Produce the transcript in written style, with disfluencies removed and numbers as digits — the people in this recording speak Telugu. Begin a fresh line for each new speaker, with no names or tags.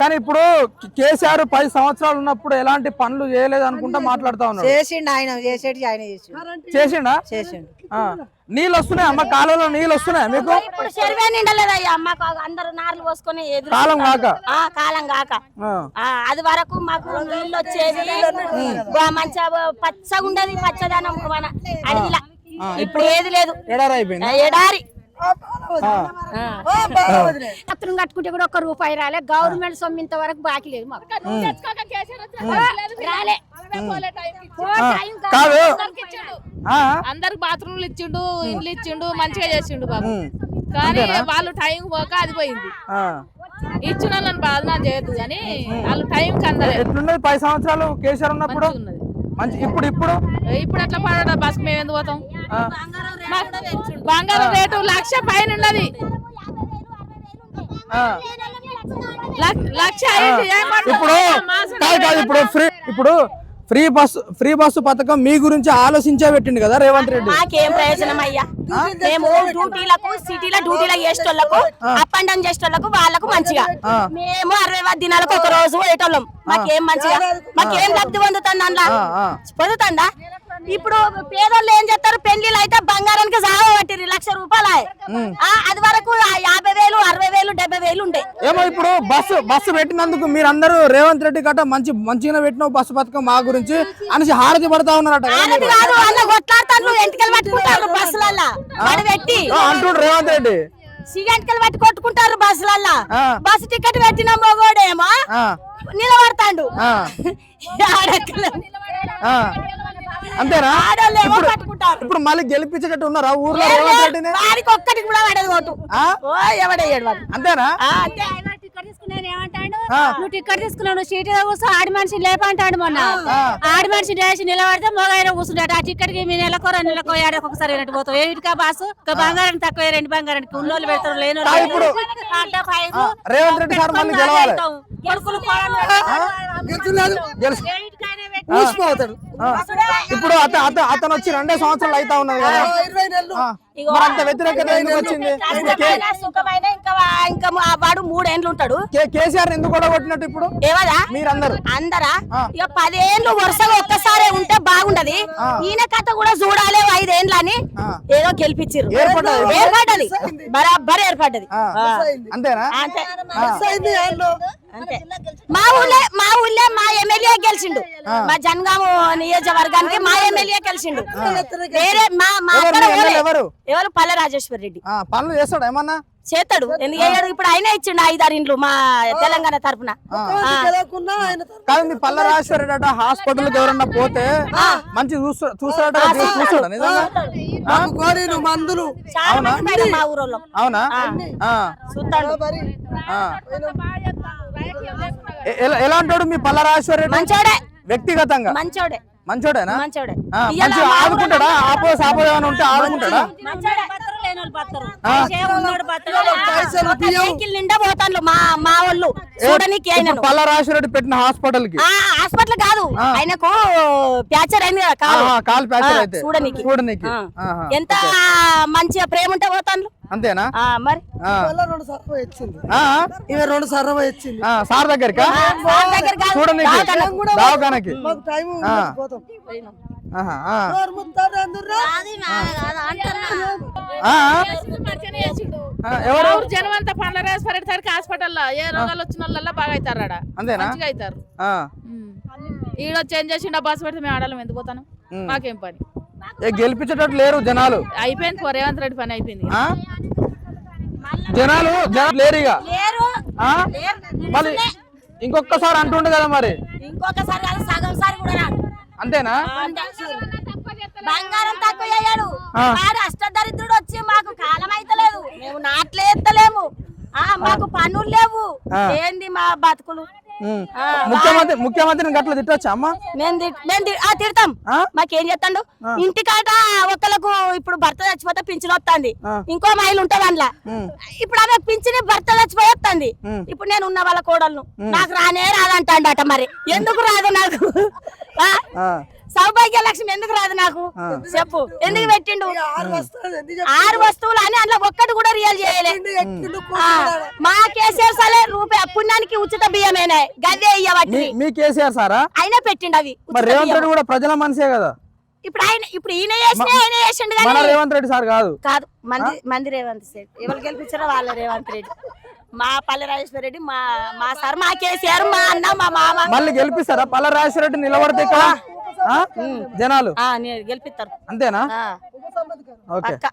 కానీ ఇప్పుడు కేసీఆర్ 10 సంవత్సరాలు ఉన్నప్పుడు ఎలాంటి పనులు చేయలేదు అనుకుంటా మాట్లాడుతా ఉన్నాడు.
చేసిండు ఆయన, చేసేటి ఆయన
చేసిండా?
చేసిండు.
నీళ్ళు వస్తున్నాయి అమ్మ, కాలంలో నీళ్ళు వస్తున్నాయి మీకు?
ఇప్పుడు చెరువే నిండలేదయ్యా మాకు, అందరూ నార్లు పోసుకొని
కాలం కాక
కాలం కాక అది వరకు మాకు నీళ్ళు వచ్చేది, మంచిగా పచ్చగా ఉండేది, పచ్చదనం మన అడవిలా. ఇప్పుడు ఏది లేదు,
ఎడారి అయిపోయింది.
ఎడారి.
పత్రం కట్టుకుంటే కూడా 1 రూపాయి రాలే. గవర్నమెంట్ సొమ్ము ఇంతవరకు బాకీ లేదు మాకు. రాలే.
కాదు,
అందరికి బాత్రూమ్లు ఇచ్చిండు, ఇండ్లు ఇచ్చిండు, మంచిగా చేసిండు బాబు. కానీ వాళ్ళు టైం పోక అది పోయింది. ఇచ్చిన వాళ్ళని బాధన చేయొద్దు కానీ వాళ్ళు టైం కందలే.
ఎట్లున్నది 10 సంవత్సరాలు కేసీఆర్ ఉన్నప్పుడు? ఇప్పుడు ఇప్పుడు
ఇప్పుడు అట్లా పడ బస్సు మేము ఎందుకు పోతాం? బంగారం రేటు 1,00,000 పైన ఉన్నది. 1,00,000
ఇప్పుడు ఫ్రీ బస్సు పథకం మీ గురించి ఆలోచించే పెట్టిండు కదా రేవంత్ రెడ్డి.
మాకేం ప్రయోజనం అయ్యా? మేము డ్యూటీలకు సిటీలో డ్యూటీలకు చేసేటోళ్లకు, అప్ అండ్ డౌన్ చేసేటోళ్లకు వాళ్ళకు మంచిగా, మేము 60 దినాలకు 1 రోజు పోయేటోళ్ళం. మాకేం మంచిగా, మాకేం లబ్ధి పొందుతుంది అందులో? పొందుతుందా? ఇప్పుడు పేదోళ్ళు ఏం చేస్తారు, పెళ్లిళ్ళు అయితే బంగారానికి సాగ పట్టిరు 1,00,000 రూపాయలు. అది వరకు 50,000, 60,000, 70,000 ఉండే.
ఏమో ఇప్పుడు బస్సు పెట్టినందుకు మీరందరూ రేవంత్ రెడ్డి గట్ట మంచిగా పెట్టిన బస్సు పథకం మా గురించి అనేసి హారతి పడతా ఉన్నారట.
కొట్లాడతారు, ఎంటికలు పట్టుకుంటారు బస్సులల్లా పెట్టి
అంటుండ్రు రేవంత్ రెడ్డి.
సిగంటికలు పట్టి కొట్టుకుంటారు బస్సులల్లా. బస్సు టికెట్ పెట్టిన మొగోడేమో నిలబడతాడు.
అంతేనా? ఇప్పుడు మళ్ళీ గెలిపించేటట్టు ఉన్నారా ఊర్లో రేవంత్ రెడ్డిని?
వారికి ఒక్కటి కూడా పడదు ఓటు. ఎవడయ్యాడు వాడు?
అంతేనా?
ఏమంటాడు, నువ్వు టికెట్ తీసుకున్నావు, సీట్ కూర్చో, ఆడి మనిషి లేపంటాడు. మొన్న ఆడి మనిషి లేచి నిలబడితే మొగైన కూర్చుంటాడు. ఆ టికెట్ కి మీ నెలకో 2 నెలకో ఏడాది ఒకసారి వెళ్ళట్టు పోతావు. ఏమిటికా బాసు? బంగారానికి తక్కువ, 2 బంగారానికి ఉన్నోళ్ళు పెడతారు, లేని
రేవంత్ రెడ్డి సార్ మళ్ళీ గెలవాలి. ఇప్పుడు అతను వచ్చి 2 సంవత్సరాలు అయితా ఉన్నది కదా, అంత వ్యతిరేకత ఎందుకు వచ్చింది?
ఇంకా వాడు 3 ఏండ్లు ఉంటాడు.
కేసీఆర్ ఎందుకు కూడా కొట్టినట్టు ఇప్పుడు మీరందరూ
అందరా? ఇక 10 ఏండ్లు వరుసగా ఒక్కసారి ఉంటే బాగుండదు. ఈయన కథ కూడా చూడాలి. 5 ఏండ్లు అని ఏదో గెలిపించారు, ఏర్పడ్డది, బరాబర్ ఏర్పడ్డది.
అంతేనా?
మా ఊళ్ళే మా ఎమ్మెల్యే గెలిచిండు. మా జనగామ నియోజకవర్గానికి మా ఎమ్మెల్యే గెలిచిండు. వేరే ఎవరు పల్లె రాజేశ్వర్ రెడ్డి.
పనులు చేస్తాడు, ఏమన్నా
చేస్తాడు. ఎందుకు ఇప్పుడు ఆయన ఇచ్చిండు 5-6 ఇండ్లు మా తెలంగాణ తరఫున.
కానీ మీ పల్లె రాజేశ్వర్ రెడ్డి హాస్పిటల్ ఎవరన్నా పోతే మంచి చూస్తాడట,
మందులు
మా ఊరోళ్ళం.
అవునా? ఎలా అంటాడు మీ పల్లె రాజేశ్వర్ రెడ్డి?
మంచోడే,
వ్యక్తిగతంగా మంచోడేనా? మంచిగా ఆదుకుంటాడా? ఆపో ఏమైనా ఉంటే ఆదుకుంటాడా?
నిండా పోతాను మా వాళ్ళు చూడడానికి.
పల్లె రాజేశ్వర రెడ్డి పెట్టిన హాస్పిటల్ కి,
హాస్పిటల్ కాదు, ఆయనకు ప్యాచర్ అయింది కదా
కాలు ప్యాచర్ అయితే
చూడనికి. ఎంత మంచిగా ప్రేమ ఉంటే పోతాను.
అంతేనా?
మరి
2 సర్వ ఇచ్చింది
సార్ దగ్గరికి చూడనికి, దవాఖానకి.
ఎవరు జనం అంతా పండ్ల రాజేశ్వరరెడ్డి హాస్పిటల్లో ఏ రోగాలు వచ్చిన వాళ్ళ బాగా అవుతారు. మంచిగా అవుతారు. ఈడొచ్చి ఏం చేసిండు, బస్సు పెడితే మేము ఆడాలి, ఎందుకు పోతాను? మాకేం పని?
గెలిపించేటట్టు లేరు జనాలు.
అయిపోయింది, రేవంత్ రెడ్డి పని అయిపోయింది.
జనాలు లేరు ఇక. మళ్ళీ ఇంకొకసారి అంటుండే కదా, మరి
ఇంకొకసారి కాదు, సగం సారి కూడా రాడు.
అంతేనా?
బంగారం తక్కువ అయ్యాడు. అష్టదరిద్రుడు వచ్చి మాకు కాలం అయితలేదు, మేము నాట్లే ఎత్తలేము, మాకు పనులు లేవు. ఏంది మా బతుకులు?
ముఖ్యమంత్రిని గట్ల తిట్టొచ్చా అమ్మ?
తిడతాం. మాకేం చేస్తాడు? ఇంటికాట ఒకళ్ళకు ఇప్పుడు భర్త చచ్చిపోతే పింఛన్ వస్తుంది, ఇంకో మహిళ ఉంటుంది అందులో. ఇప్పుడు ఆమె పింఛన్ భర్త చచ్చిపోయి వస్తుంది. ఇప్పుడు నేను ఉన్న వాళ్ళ కోడలను నాకు రానే రాదంటాడట. మరి ఎందుకు రాదు నాకు? సౌభాగ్య లక్ష్మి ఎందుకు రాదు నాకు చెప్పు ఎందుకు పెట్టిండు 6 వస్తువులు అని అందులో ఒక్కటి కూడా రియల్ చేయలే మా కేసీఆర్ సలే రూపాయి పుణ్యానికి ఉచిత బియ్యమేనే గదే ఇయ్యబట్టి
మీ కేసీఆర్ సారా
అయినా పెట్టిండు అవి
మరి రేవంత్ రెడ్డి కూడా ప్రజల మనిషే కదా
ఇప్పుడు ఈయన చేసిండు
మన
కానీ
రేవంత్ రెడ్డి సార్ కాదు
కాదు మంది రేవంత్ రెడ్డి ఎవరు గెలిపించారో వాళ్ళ రేవంత్ రెడ్డి మా పల్లె రాజేశ్వర రెడ్డి మా సార్ మా కేసీఆర్ మా అన్న మా మామ
మళ్ళీ గెలిపిస్తారా పల్ల రాజేశ్వర రెడ్డి నిలబడితే ఇక్కడ జనాలు
గెలిపిస్తారు
అంతేనా
ఆ,
ఓకే
పక్కా.